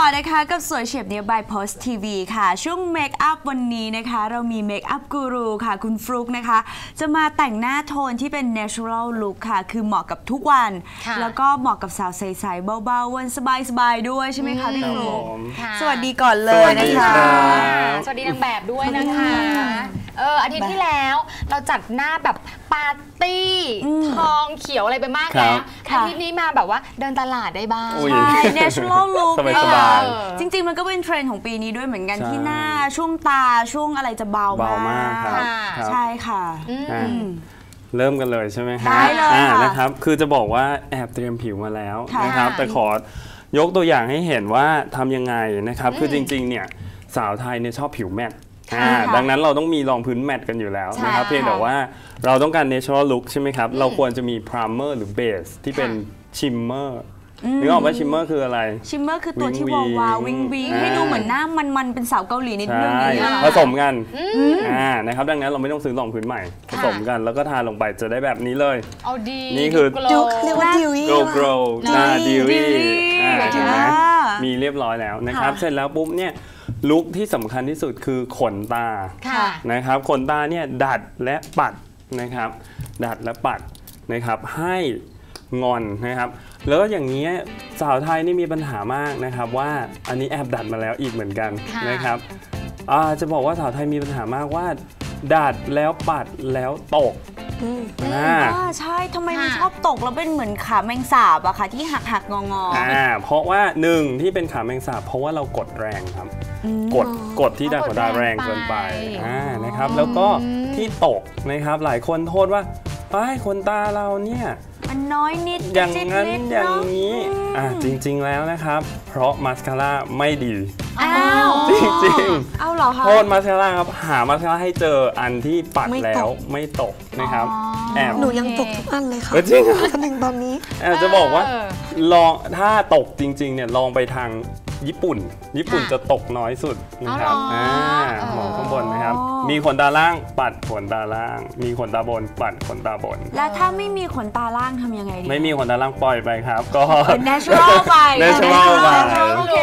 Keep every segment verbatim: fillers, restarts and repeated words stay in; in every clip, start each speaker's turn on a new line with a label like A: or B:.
A: นะคะกับสวยเฉียบเนี้ย by Post ที วี ค่ะช่วงเมคอัพวันนี้นะคะเรามีเมคอัพกูรูค่ะคุณฟลุ๊กนะคะจะมาแต่งหน้าโทนที่เป็น natural look ค่ะคือเหมาะกับทุกวันแล้วก็เหมาะกับสาวใสๆเบาๆวันสบายๆด้วยใช่ไหมคะพี่ฟลุ๊กสวัสดีก่อนเลยนะคะ
B: สวัสดีนางแบบด้วยนะคะเอออาทิตย์ที่แล้วเราจัดหน้าแบบปาร์ตี้ทองเขียวอะไรไปมากแล้วอาทิตย์นี้มาแบบว่าเดินตลาดได้บ้าง
A: ใช่ natural look จริงๆมันก็เป็นเทรนด์ของปีนี้ด้วยเหมือนกันที่หน้าช่วงตาช่วงอะไรจะเบามากใช่ค่ะ
C: เริ่มกันเลยใช่ไหมครับได้เลยนะครับคือจะบอกว่าแอบเตรียมผิวมาแล้วนะครับแต่ขอยกตัวอย่างให้เห็นว่าทำยังไงนะครับคือจริงๆเนี่ยสาวไทยเนี่ยชอบผิวแมตต์ดังนั้นเราต้องมีรองพื้นแมตต์กันอยู่แล้วนะครับเพียงแต่ว่าเราต้องการ natural look ใช่ไหมครับเราควรจะมี primer หรือ base ที่เป็น shimmer นึกออกว่าชิมเมอร์คืออะไร
A: ชิมเมอร์คือตัวที่วาววาววิงวิงให้ดูเหมือนหน้ามันๆเป็นสาวเกาหลีนิดนึง
C: ผสมกันนะครับดังนั้นเราไม่ต้องซื้อรองพื้นใหม่ผสมกันแล้วก็ทาลงไปจะได้แบบนี้เลย
B: เอาดี
C: นี่คือ
A: เรียกว่าดิวี่
C: glow glow หน้าดิวี่เห็นไหมมีเรียบร้อยแล้วนะครับเสร็จแล้วปุ๊บเนี่ยลุคที่สำคัญที่สุดคือขนตานะครับขนตาเนี่ยดัดและปัดนะครับดัดและปัดนะครับให้งอนนะครับแล้วอย่างนี้สาวไทยนี่มีปัญหามากนะครับว่าอันนี้แอบดัดมาแล้วอีกเหมือนกันนะครับจะบอกว่าสาวไทยมีปัญหามากว่าดัดแล้วปัดแล้วตก
A: อ่าใช่ทำไมมันชอบตกแล้วเป็นเหมือนขาแมงสาบอะค่ะที่หักหักงองอ
C: อ่าเพราะว่าหนึ่งที่เป็นขาแมงสาบเพราะว่าเรากดแรงครับกดกดที่ดัดขนตาแรงเกินไปอ่านะครับแล้วก็ที่ตกนะครับหลายคนโทษว่าไอ้ขนตาเราเนี่ย
A: มันน้อยนิด
C: อย่างนั้นอย่างนี้อ่ะจริงๆแล้วนะครับเพราะมาสคาร่าไม่ดี
A: อ้าว
C: จริง
A: ๆเอาเหรอคะ
C: โทษมาสคาร่าครับหามาสคาร่าให้เจออันที่ปัดแล้วไม่ตกนะครับแอบ
D: หนูยังตกทุกอันเลยค่ะ
C: จริง
D: จนถึงตอนนี้
C: แอบจะบอกว่าลองถ้าตกจริงๆเนี่ยลองไปทางญี่ปุ่นญี่ปุ่นจะตกน้อยสุดนะครับอ่ามองข้างบนนะครับมีขนตาล่างปัดขนตาล่างมีขนตาบนปัดขนตาบน
A: แล้วถ้าไม่มีขนตาล่างทำยังไงดี
C: ไม่มีขนตาล่างปล่อยไปครับก็
A: เป็น natural ไป
C: natural ไป
B: โอเค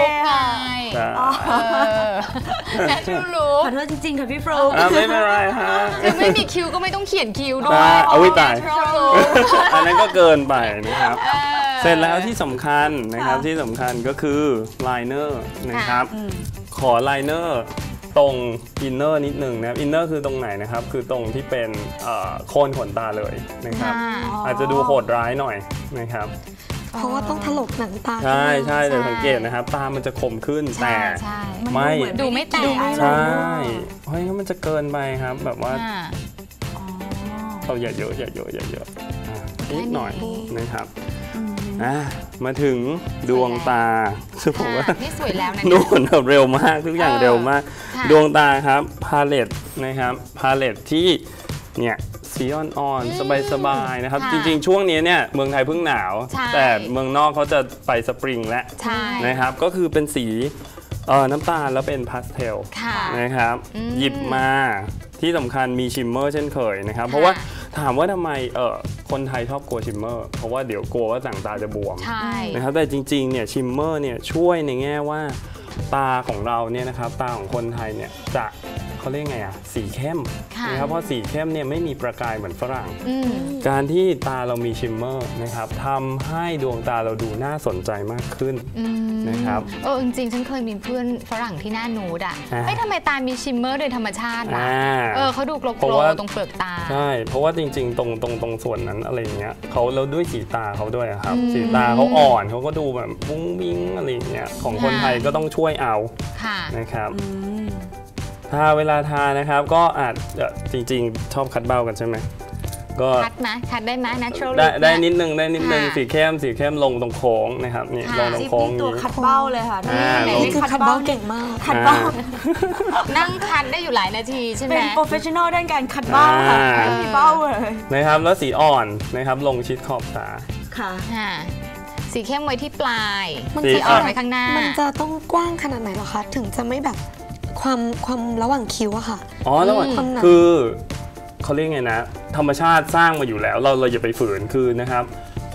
B: natural look
A: ขอโทษจริงๆค่ะพี่ฟลุ๊ก
C: ไม่เป็นไรฮะ
B: คือไม่มีคิวก็ไม่ต้องเขียนคิวด้วย
C: เอาไว้ตายอันนั้นก็เกินไปนะครับเสร็จแล้วที่สำคัญนะครับที่สำคัญก็คือไลเนอร์นะครับขอไลเนอร์ตรงอินเนอร์นิดหนึ่งนะอินเนอร์คือตรงไหนนะครับคือตรงที่เป็นโคนขนตาเลยนะครับอาจจะดูโหดร้ายหน่อยนะครับ
D: เพราะว่าต้องถลกหนังตา
C: ใช่ใช่แต่สังเกตนะครับตามันจะคมขึ้นแต่ไม่
B: ดูไม่แตก
C: ใช่เพราะงั้นมันจะเกินไปครับแบบว่าเราอย่าเยอะอย่าเยอะอย่าเยอะนิดหน่อยนะครับมาถึงดวงตาคือผมว่า
B: นี่สวยแล้วนะ
C: นู่นแบบเร็วมากทุกอย่างเร็วมากดวงตาครับพาเลตนะครับพาเลตที่เนี่ยสีอ่อนๆสบายๆนะครับจริงๆช่วงนี้เนี่ยเมืองไทยเพิ่งหนาวแต่เมืองนอกเขาจะไปสปริงแล้วนะครับก็คือเป็นสีน้ำตาลแล้วเป็นพาสเทลนะครับหยิบมาที่สำคัญมีชิมเมอร์เช่นเคยนะครับเพราะว่าถามว่าทำไมเออคนไทยชอบกลัวชิมเมอร์เพราะว่าเดี๋ยวกลัวว่าต่างตาจะบวมนะครับแต่จริงๆเนี่ยชิมเมอร์เนี่ยช่วยในแง่ว่าตาของเราเนี่ยนะครับตาของคนไทยเนี่ยจะเขาเรียกไงอะสีเข้มนะครับเพราะสีเข้มเนี่ยไม่มีประกายเหมือนฝรั่งการที่ตาเรามีชิมเมอร์นะครับทำให้ดวงตาเราดูน่าสนใจมากขึ้นนะครับ
B: เออจริงๆฉันเคยมีเพื่อนฝรั่งที่หน้านูดอ่ะไม่ทำไมตามีชิมเมอร์โดยธรรมชาติอ่ะเออเขาดูโกลว์ตรงเปลือกตา
C: ใช่เพราะว่าจริงๆตรงตรงตรงส่วนนั้นอะไรเงี้ยเขาแล้วด้วยสีตาเขาด้วยครับสีตาเขาอ่อนเขาก็ดูแบบวุ้งวิ้งอะไรเงี้ยของคนไทยก็ต้องช่วยเอานะครับถ้าเวลาทานะครับก็อาจจริงๆชอบคัดเบ้ากันใช่ไหมก็
B: คัดไหมคัดได้ไหม natural
C: ได้ได้นิดนึงได้นิดนึงสีเข้มสีเข้มลงตรงโค้งนะครับนี่ลงตรงโค้ง
A: ตัวคัดเบ้าเลยค่ะ
D: นี่คือคัดเบ้าเก่งมาก
A: คัดเบ้า
B: นั่งคัดได้อยู่หลายนาทีใช่ไหม
A: เป็น professional ด้านการคัดเบ้าค่ะมีเบ้าเลย
C: นะครับแล้วสีอ่อนนะครับลงชิดขอบตา
A: ค่ะ
B: สีเข้มไว้ที่ปลายสีอ่อนไว้ข้างหน้า
D: มันจะต้องกว้างขนาดไหนหรอคะถึงจะไม่แบบความความระหว่างคิ้วอะค่ะ
C: อ๋อระหว่างคือเขาเรียกไงนะธรรมชาติสร้างมาอยู่แล้วเราเราอย่าไปฝืนคือนะครับพ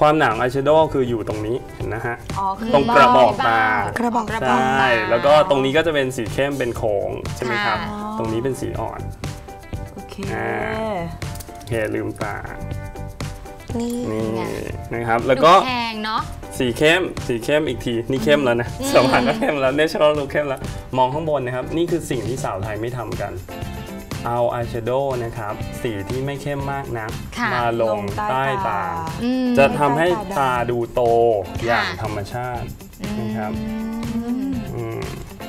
C: ความหนาของอายแชโดว์คืออยู่ตรงนี้เห็นนะฮะ
A: อ๋อคือ
C: ตรงกระบอกตา
D: กระบอก
C: ใช่แล้วก็ตรงนี้ก็จะเป็นสีเข้มเป็นโค้งใช่ไหมครับ
B: ค่ะ
C: ตรงนี้เป็นสีอ่อน
A: โอเค
C: อ่า โอเคลืมตา
D: นี่
C: นี่
B: ไง
C: นะครับแล้วก็
B: ดูแพงเนาะ
C: สีเข้มสีเข้มอีกทีนี่เข้มแล้วนะสว่างก็เข้มแล้วเนเชอรัลลุคเข้มแล้วมองข้างบนนะครับนี่คือสิ่งที่สาวไทยไม่ทำกันเอาอายแชโดว์นะครับสีที่ไม่เข้มมากนะ
B: ค่ะ
C: มาลงใต้ตา
B: อืม
C: จะทำให้ตาดูโต
B: ค่ะ
C: อย่างธรรมชาตินะครับอืม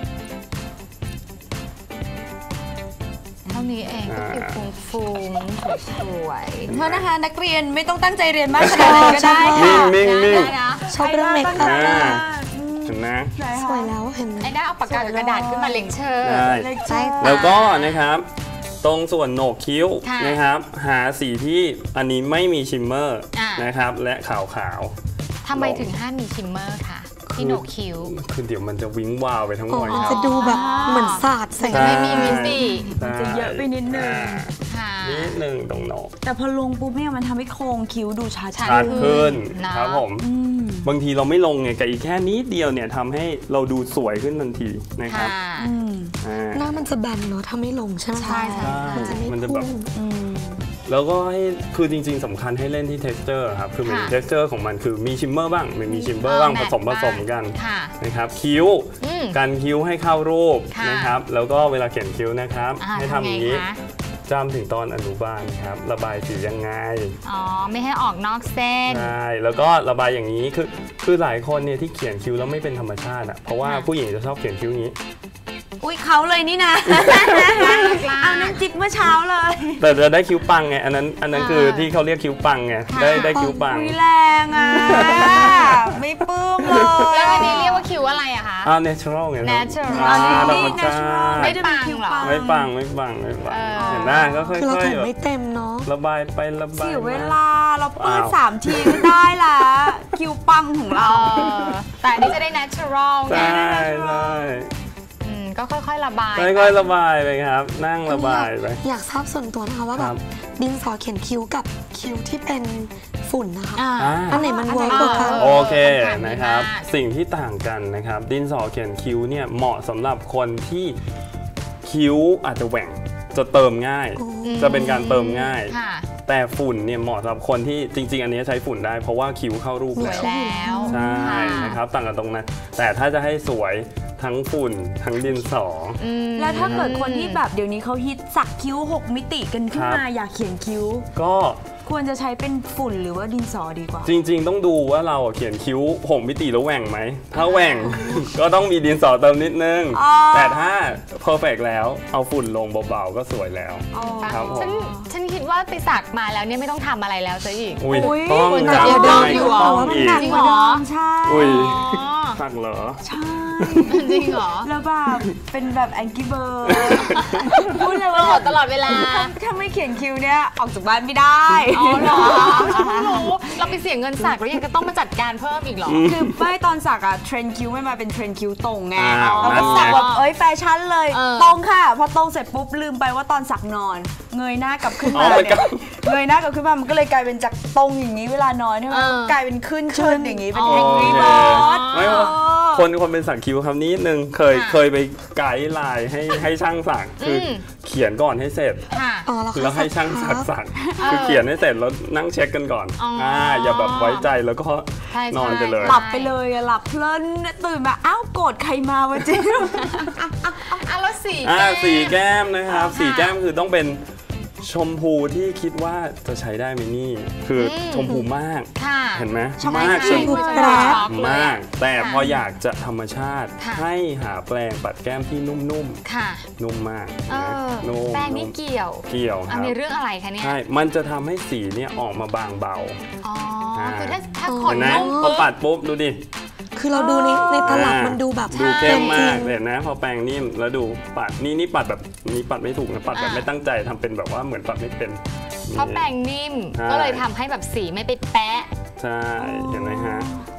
B: เท่านี้เองก็คือฟุ้งฟุ้งๆสวยๆ
A: เพราะนะคะนักเรียนไม่ต้องตั้งใจเรียนมากขนาดนั้นก็ได้ค่ะ
C: นิ่งๆนิ่ง
B: ได้นะ
D: ชอบเรื่องเมคอัพ
C: อ่า
D: ค่ะ
C: เห็นไหม
A: ไหน
D: ส
A: คะ
D: วยแล้วเห็นไหม
B: ไอ้ได้เอาปากกากับกระดาษขึ้นมาเล็งเชอร์
C: ได้
A: เล็ก
D: ใช่
A: จ้า
C: แล้วก็นะครับตรงส่วนโหนกคิ้ว
B: ค่ะ
C: นะครับหาสีที่อันนี้ไม่มีชิมเมอร์
B: อ่าน
C: นะครับและขาวขาว
B: ทำไมถึงห้ามมีชิมเมอร์ค่ะที่โหนกคิ้ว
C: ๆคือเดี๋ยวมันจะวิ้งวาวไปทั้งห
D: อ๋
C: ม
D: อ
C: ดครั
D: จะ
C: บ
D: ดูแบบเหมือนศาสตร์ใส่
B: จะไม่มีมิติ
C: ใช่
A: จะเยอะไปนิดนึง
C: อ่า
B: ค่ะ
C: นิดนึงตรงโหนก
A: แต่พอลงปุ๊บเนี่ยมันทำให้โครงคิ้วดูชัด
B: ชัด
C: ชัดขึ้น
B: นะ
C: ครับผม
A: อืม
C: บางทีเราไม่ลงไงกับอีกแค่นิดเดียวเนี่ยทำให้เราดูสวยขึ้นทันทีนะครับ
B: ค่ะ
A: อืม
C: อ่า
D: หน้ามันจะแบนเนาะถ้าไม่ลงใช่ไหม
B: ใช่ใช่
D: มันจะไม่
C: มันจะ
D: พุ่
C: แบบ
D: ง
A: อืม
C: แล้วก็ให้คือจริงๆสำคัญให้เล่นที่ texture ครับคือเหมือน
B: ค่ะ
C: texture ของมันคือมีชิมเมอร์บ้างไม่มีชิมเมอร์บ้าง
B: เอ
C: ผ
B: อ
C: สมผ
B: แมท
C: สมกัน
B: ค่ะ
C: นะครับคิ้ว
B: อืม
C: การคิ้วให้เข้ารูป
B: ค่ะ
C: นะครับแล้วก็เวลาเขียนคิ้วนะครับ
B: อ่า
C: ให้ทำ
B: ทำ
C: อ
B: ไง
C: ย่างนี้
B: คะ
C: จำถึงตอนอนุบาลครับระบายสียังไง
B: อ๋อ ไม่ให้ออกนอกเส้น
C: ใช่แล้วก็ระบายอย่างนี้คือคือหลายคนเนี่ยที่เขียนคิ้วแล้วไม่เป็นธรรมชาติอ่ะเพราะว่า
B: ค่ะ
C: ผู้หญิงจะชอบเขียนคิ้วอย่างนี้
A: อุ้ยเขาเลยนี่นะ เอาน้ำจิ๊บเมื่อเช้าเลย
C: แต่จะได้คิ้วปังไงอันนั้นอันนั้น
B: อ่า
C: คือที่เขาเรียกคิ้วปังไง
B: ค่ะ
C: ได้ได้คิ้วปัง
A: อุ้ยแรงอ่ะ ไม่ปลื้มเลย
B: แล้วอันนี้เรียกว่าคิ้วอะไรอะคะ
C: อ่า natural ไงครับ
B: natural
C: อ่า
A: อัน
C: ธร
A: นี้
C: รมชา
A: natural
C: ติ
B: ไม่ปังเหรอ
C: ไม่ปังไม่ปังไม่ปัง
B: เออ
C: เห็นหน้าก็ค่อย
D: คือเรา
C: ๆ
D: แต่ง
C: แบบ
D: ไม่เต็มเนาะ
C: ระบายไประบาย
A: เสียเว
C: มา
A: ลาเราปื้ด
C: อ้าว
A: สามทีก็ได้ละคิวปังของเรา
B: เออแต่อันนี้จะได้ natural ไง
C: ใช่ใช่
B: อืมก็ค่อยๆระบาย
C: ค่อยๆระบายไปครับ นั่งระบายไป
D: อยากทราบส่วนตัวนะคะว่า
C: ค
D: แบ
C: รั
D: บบ ดินสอเขียนคิ้วกับคิ้วที่เป็นฝุ่นนะคะ
B: อ่า
C: อ่า
D: อันไหนมันเวิร์ก
B: อันไหน
D: กว่ากัน
B: เอ
C: โอเค
B: คำถามดี
C: นะครับ
B: มาก
C: สิ่งที่ต่างกันนะครับ ดินสอเขียนคิ้วเนี่ยเหมาะสำหรับคนที่คิ้วอาจจะแหว่งจะเติมง่าย จะเป็นการเติมง่าย
B: ค่ะ
C: แต่ฝุ่นเนี่ยเหมาะสำหรับคนที่จริง ๆ อันนี้ใช้ฝุ่นได้เพราะว่าคิ้วเข้ารูป
B: สวย
C: แล้ว
B: แล้ว
C: ใช่
B: ค่ะ
C: นะครับต่างกันตรงนั้นแต่ถ้าจะให้สวยทั้งฝุ่นทั้งดินสอ
B: อืม
A: แล้วถ้าเกิดคนที่แบบเดี๋ยวนี้เขาฮิตสักคิ้วหกมิติกันขึ้น
C: ครับ
A: มาอยากเขียนคิ้ว
C: ก็
A: ควรจะใช้เป็นฝุ่นหรือว่าดินสอดีกว่า
C: จริง ๆ ต้องดูว่าเราอะเขียนคิ้วหกมิติแล้วแหว่งไหม ถ้าแหว่ง ก็ต้องมีดินสอเติมนิดนึง
A: อ๋อ
C: แต่ถ้าเพอร์เฟกแล้วเอาฝุ่นลงเบาๆก็สวยแล้ว
A: อ๋อ
C: ครับผม
B: ฉันฉันคิดว่าไปสักมาแล้วเนี่ยไม่ต้องทำอะไรแล้วซะอีก
C: อุ้ย
A: อุ๊ย
C: ต้อง
B: คุณ
C: ค
B: จะ
C: รับ
B: เดี๋ยว
C: ยังไง
B: เดี๋ยว
C: ก็ต้อง
A: ว่ามัน
C: อีก
A: หนักกว่าเดิมใช่
C: อุ้ย
B: อ๋อ
C: สักเหรอ
A: ใช่
B: จริงเหรอ
A: แล้วแบบเป็นแบบแองกี้เบิร์ดพูดเลย
B: ต
A: ว่า
B: ลอดตลอดเวลา
A: ถ้าถ้าไม่เขียนคิ้วเนี่ยออกจากบ้านไม่ได้
B: อ๋อเหรอฉันเพิ่งรู้เราไปเสียเงินสักแล้วยังจะต้องมาจัดการเพิ่มอีกเหรอ
A: คือไม่ตอนสักอะเทรนคิ้วไม่มาเป็นเทรนคิ้วตรงไง
C: อ้าว
A: เรา
C: นั่
A: ก็
C: นไง
A: สักแบบเอ้ยแฟชั่นเลย
B: เออ
A: ตรงค่ะ พอตรงเสร็จปุ๊บลืมไปว่าตอนสักนอน เงยหน้ากลับขึ้น
C: อ๋อ
A: มา
C: มัน
A: เนี่
C: ก็
A: ยเงยหน้ากลับขึ้นมามันก็เลยกลายเป็นจากตรงอย่างนี้เวลานอนใช่ไหม
B: เออ
A: กลายเป็นขึ้นเชิญอย่างนี้เป็น
B: อ๋อ
A: แองกี้
C: โอเค
A: เบิร์ด
C: ไม่ว่าคนคนเป็นสักคิ้วครับนิดนึงเคย
B: ค่ะ
C: เคยไปไกด์ไลน์ให้ให้ช่างสักคืออ
B: ม
C: เขียนก่อนให้เสร็จ
B: ค่ะ
D: อ๋อแล้ว
C: แล้วให้ช่างสักสักคือเขียนให้เสร็จแล้วนั่งเช็คกันก่อน
B: อ๋ออ่
C: ่าอย่าแบบไว้ใจแล้วก็
B: ใช่
C: นอนไปเลย
A: หลับไปเลยอะหลับเพลินตื่นมาอ้าวโกรธใครมาวะเจ๊
B: อ่ะแล้วสี
C: อ่า
B: แก้ม
C: สีแก้มนะครับ
B: ค่ะ
C: สีแก้มคือต้องเป็นชมพูที่คิดว่าจะใช้ได้ไหมนี่ คืออ
B: ม
C: ชมพูมาก
B: ค่ะ
C: เห็นไหม
A: ชอบ
C: มาก
A: ใช่
C: จน
A: ชมพู
B: แปร
C: มาก แต่
B: ค่ะ
C: พออยากจะธรรมชาติ
B: ค่ะ
C: ให้หาแปรงปัดแก้มที่นุ่ม
B: ค่ะ
C: ๆ นุ่มมาก
B: เอ
C: นะ
B: อ
C: นุ่ม
B: แป้งนี่
C: นุ่ม
B: เกี่ยว
C: เกี่ยวค
B: อัน
C: รับ
B: นี้เรื่องอะไรคะเนี่ย
C: ใช่ มันจะทำให้สีเนี่ยออกมาบางเบา
B: อ๋อ
C: อ่า
B: คือถ้าถ้าข
C: เห็
B: น
C: นไหม
B: นุ่ม
C: พอ
B: ปุ๊บ
C: ปัดปุ๊บดูดิ
D: คือเราดูในในตลับ
C: อ่า
D: มันดูแบบ
C: ดูเข้มมาก
D: จริง
C: เห็นนะพอแปรงนิ่มแล้วดูปัดนี่นี่ปัดแบบนี่ปัดไม่ถูกนะปัดแบบ
B: อ่า
C: ไม่ตั้งใจทำเป็นแบบว่าเหมือนปัดไม่เป็น
B: เพราะแป้งนิ่ม
C: ใช่
B: ก็เลยทำให้แบบสีไม่ไปแปะ
C: ใช่เห็นไหมฮะ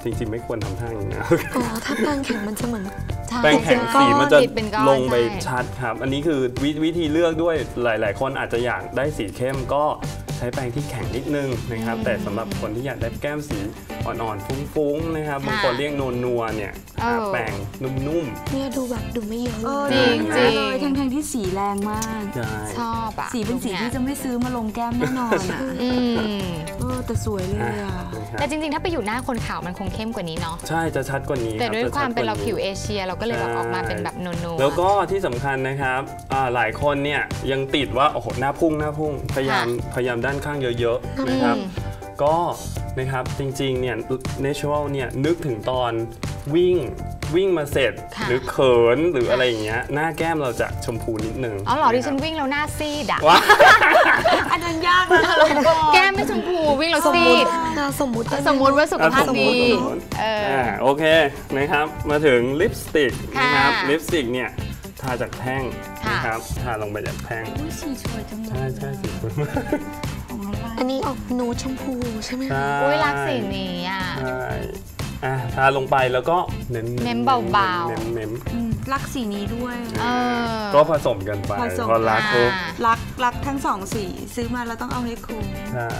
C: จริงๆไม่ควรทำท่าอย่างนี้นะ
D: อ๋อถ้าแป้งแข็งมันจะเหมือน
C: แป้งแข็งสีมันจะ
B: ติดเป็นก้อน
C: ลงไป
B: ใช่
C: ชัดครับ อันนี้คือววิธีเลือกด้วยหลาย ๆ คนอาจจะอยากได้สีเข้มก็ใช้แป้งที่แข็งนิดนึงนะครับแต่สำหรับคนที่อยากได้แก้มสีอ่อนๆฟุ้งๆนะครับบางคนเรียกนัวๆเนี่ยหาแป้งนุ่มๆ
D: เนี่ยดูแบบดูไม่เยอะเลย
B: จริงจริง
A: เลยทั้งทั้งๆที่สีแรงมาก
C: ใช่
B: ชอบอะ
A: สีเป็นสีที่จะไม่ซื้อมาลงแก้มแน่นอนอ่ะ
B: อืม
A: เออแต่สวยเลยอ่ะ
B: แต่จริงๆ ถ้าไปอยู่หน้าคนขาวมันคงเข้มกว่านี้เนาะ
C: ใช่จะชัดกว่านี้
B: แต่ด้วย
C: รับ
B: ความเป็นเรา
C: จะชัดก
B: ผิว
C: นี้
B: เอเชียเราก็เลยแบบออกมาเป็นแบบนัวๆ
C: แล้วก็ที่สำคัญนะครับอ่าหลายคนเนี่ยยังติดว่าโอ้โหหน้าพุ่งหน้าพุ่งพยายามพยายามด้านข้างเยอะๆนะครับก็นะครับจริงๆเนี่ย natural เนี่ยนึกถึงตอนวิ่งวิ่งมาเสร็จ
B: ค่ะ
C: หรือเขินหรืออะไรอย่างเงี้ยหน้าแก้มเราจะชมพูนิดนึง
B: อ๋อเหรอดิฉัน
C: นะคบ
B: วิ่งแล้วหน้าซีดอะ
C: ว้า
A: อันนั้นยากนะ
B: แก้มไม่ชมพูวิ่งแล้ว
D: สม
B: ซี
D: มุติ
B: ด
D: อ่าสมมุติได้ไห
B: สมมุติว่าสุขภาพ
C: สมมุ
B: ดี
C: ติสมมุติ
B: เออ
C: อ่าโอเคนะครับมาถึงลิปสติก
B: ค่ะ
C: นะครับลิปสติกเนี่ยทาจากแท่ง
B: ค่ะ
C: นะครับทาลงไปจากแท่ง
A: อุ้ยสีสวยจังเลย
C: ใช่ใช่สีสวยมาก
A: ของอะไร
D: อันนี้ออกนูดชมพูใช่ไหมคะ
B: อุ้ยรักสีนี้อ่ะ
C: ใช่อ่ะทาลงไปแล้วก็เน้น
B: เน้นเบาๆ
C: เน้นเน้น
A: อืมรักสีนี้ด้วย
B: เออ
C: ก็ผสมกันไป
A: ผสม
C: พอรักปุ๊บ
B: อ่า
A: รักรักทั้งสองสีซื้อมาแล้วต้องเอาให้คุ้ม
C: ใช่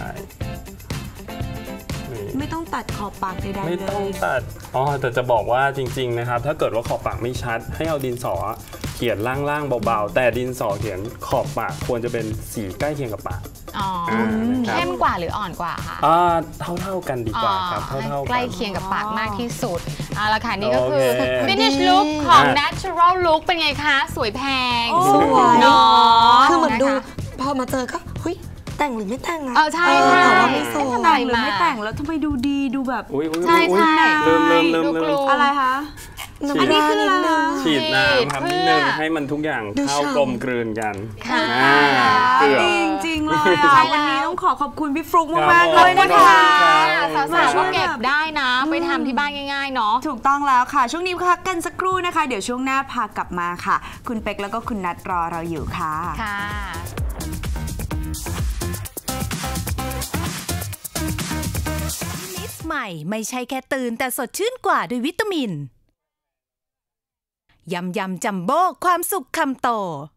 C: นี่
A: ไม่ต้องตัดขอบปากใดๆ
C: ไม่
A: เล
C: ต้อง
A: ย
C: ตัดอ๋อแต่จะบอกว่าจริง ๆ นะครับ ถ้าเกิดว่าขอบปากไม่ชัด ให้เอาดินสอเขียนล่างๆเบาๆ แต่ดินสอเขียนขอบปากควรจะเป็นสีใกล้เคียงกับปาก
B: อ๋อ
C: อ่านะครับ
B: เข้มกว่าหรืออ่อนกว่าคะ
C: อ่าเท่าๆกันดีกว่าครับ
B: อ๋อ
C: เท่าๆ
B: ใกล้
C: กัน
B: เคียงกับปากมากที่สุดเอาละค่ะนี่ก็คือ
C: โอเค
B: finish look ของ
C: อ่ะ
B: natural look เป็นไงคะ สวยแพง
A: โอ้
D: สวย
B: เนาะ
D: คือเหมือนดู
B: ะคะ
D: พอมาเจอก็เฮ้ยแต่งหรือไม่แต่งอะ
B: เออใช่
D: เออ
B: ใช่
D: แต่ว่าไม่โซ
B: ทำไม
A: แต่งหรือไม่แต่งแล้วทำไมดูดีดูแบบ
C: อุ้ยอุ้ย
B: ใช่
C: อุ๊ย
B: ใช่
C: ลืมลืมลืม
B: ดู
C: ลื
B: กลั
C: ม
B: ว
A: อะไรคะ
D: น้ำตานิดนึง
C: ฉีดน้ำครับ
B: เพื่
C: นิ
B: อ
C: ดนึงให้มันทุกอย่าง
D: ดู
C: เข้า
D: ฉ่ำ
C: กลมกลืนกัน
B: ค่ะ
C: อ่าเกือบ
A: จริงจริงๆเลย
B: ใช่
A: อ่ะ
B: แล้ว
A: วันนี้ต้องขอขอบคุณพี่ฟลุ๊ก
C: ครับ
A: มาก
C: ผม
A: ๆเลยนะ
C: ขอบ
A: คะ
C: คุณครับ
B: สาวๆก็เก็บได้นะ ไปทำที่บ้านง่ายๆเนาะ
A: ถูกต้องแล้วค่ะ ช่วงนี้พักกันสักครู่นะคะ เดี๋ยวช่วงหน้าพากลับมาค่ะ คุณเป็กแล้วก็คุณนัทรอเราอยู่ค่ะ
B: ค่ะ
E: มิสใหม่ไม่ใช่แค่ตื่นแต่สดชื่นกว่าด้วยวิตามิน ยำยำจัมโบ้ความสุขคำโต